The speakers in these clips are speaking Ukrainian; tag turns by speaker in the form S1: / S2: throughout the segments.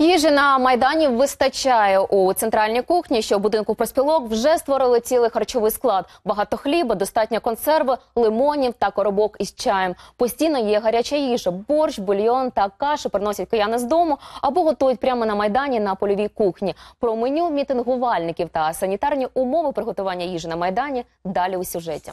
S1: Їжі на Майдані вистачає. У центральній кухні, що в будинку профспілок, вже створили цілий харчовий склад. Багато хліба, достатньо консерви, лимонів та коробок із чаєм. Постійно є гаряча їжа. Борщ, бульйон та каші приносять кияни з дому або готують прямо на Майдані на польовій кухні. Про меню мітингувальників та санітарні умови приготування їжі на Майдані далі у сюжеті.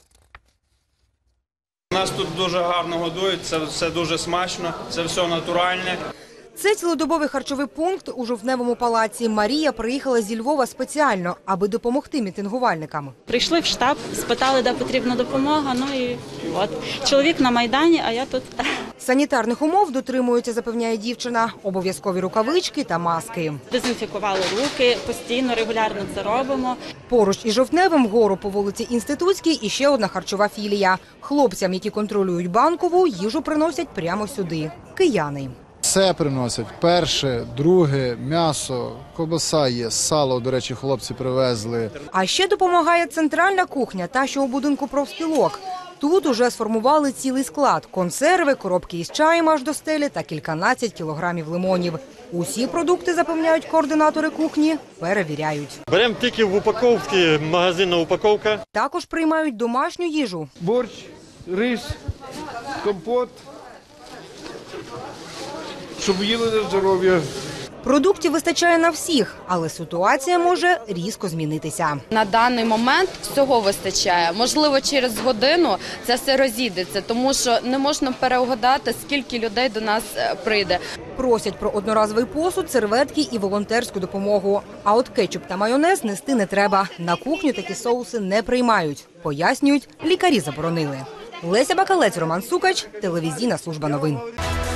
S2: Нас тут дуже гарно годують, це все дуже смачно, це все натуральне.
S3: Це цілодобовий харчовий пункт у Жовтневому палаці. Марія приїхала зі Львова спеціально, аби допомогти мітингувальникам.
S4: Прийшли в штаб, спитали, де потрібна допомога, ну і от. Чоловік на Майдані, а я тут.
S3: Санітарних умов дотримуються, запевняє дівчина. Обов'язкові рукавички та маски.
S4: Дезінфікували руки, постійно, регулярно це робимо.
S3: Поруч із Жовтневим вгору по вулиці Інститутській іще одна харчова філія. Хлопцям, які контролюють Банкову, їжу приносять прямо сюди. Кияни.
S5: Все приносять. Перше, друге, м'ясо, ковбаса є, сало, до речі, хлопці привезли.
S3: А ще допомагає центральна кухня, та що у будинку профспілок. Тут уже сформували цілий склад – консерви, коробки із чаєм аж до стелі та кільканадцять кілограмів лимонів. Усі продукти, запевняють координатори кухні, перевіряють.
S6: Беремо тільки в упаковці, магазинна упаковка.
S3: Також приймають домашню їжу.
S7: Борщ, рис, компот, щоб їли на здоров'я.
S3: Продуктів вистачає на всіх, але ситуація може різко змінитися.
S8: На даний момент всього вистачає. Можливо, через годину це все розійдеться, тому що не можна переугадати, скільки людей до нас прийде.
S3: Просять про одноразовий посуд, серветки і волонтерську допомогу. А от кетчуп та майонез нести не треба. На кухню такі соуси не приймають. Пояснюють, лікарі заборонили. Леся Бакалець, Роман Сукач, телевізійна служба новин.